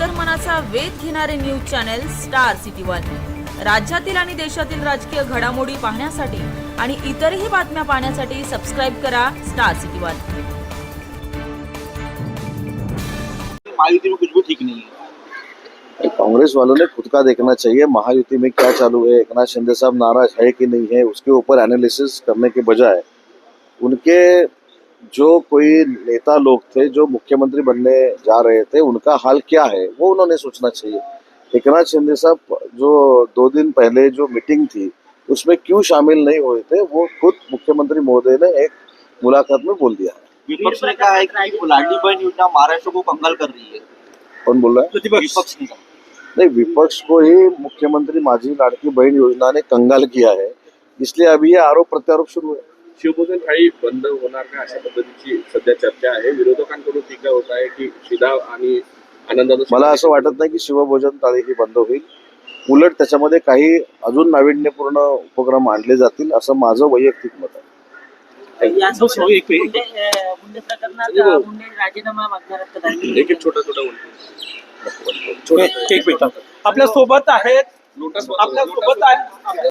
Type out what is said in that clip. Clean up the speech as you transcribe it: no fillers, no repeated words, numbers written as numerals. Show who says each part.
Speaker 1: अंतर्मनाचा वेध घेणारे news channel Star City one. राज्यातील आणि देशातील राजकीय घडामोडी पाहण्यासाठी आणि इतरही बातम्या पाहण्यासाठी सबस्क्राइब करा स्टार सिटी वन।
Speaker 2: महायुति में कुछ भी ठीक नहीं है।
Speaker 3: कांग्रेस वालों ने खुद का देखना चाहिए, महायुति में क्या चालू है, एकनाथ शिंदे साहब नाराज है कि नहीं है, उसके ऊपर एनालिसिस करने के बजाय उनके जो कोई नेता लोग थे जो मुख्यमंत्री बनने जा रहे थे उनका हाल क्या है वो उन्होंने सोचना चाहिए। एकनाथ शिंदे साहब जो 2 दिन पहले जो मीटिंग थी उसमें क्यों शामिल नहीं हुए थे वो खुद मुख्यमंत्री महोदय ने एक मुलाकात में बोल दिया है।
Speaker 2: विपक्ष ने कहा है कि लाडली बहन योजना महाराष्ट्र को कंगाल कर रही है।
Speaker 3: कौन बोल रहा है?
Speaker 2: विपक्ष ने कहा।
Speaker 3: नहीं, विपक्ष को ही मुख्यमंत्री माझी लाडकी बहन योजना ने कंगाल किया है, इसलिए अभी ये आरोप प्रत्यारोप सुरू है।
Speaker 4: शिवभोजन थाळी बंद होणार का अशा पद्धतीची सध्या चर्चा आहे। विरोधकांकडून टीका होत आहे की शिदा आणि आनंदाचं
Speaker 3: मला असं वाटत नाही की शिवभोजन थाळी ही बंद होईल, उलट त्याच्यामध्ये काही अजून नाविन्यपूर्ण उपक्रम आणले जातील असं माझं वैयक्तिक मत आहे।
Speaker 5: राजीनामा मागणार
Speaker 4: एक छोटा
Speaker 5: आपल्या सोबत आहेत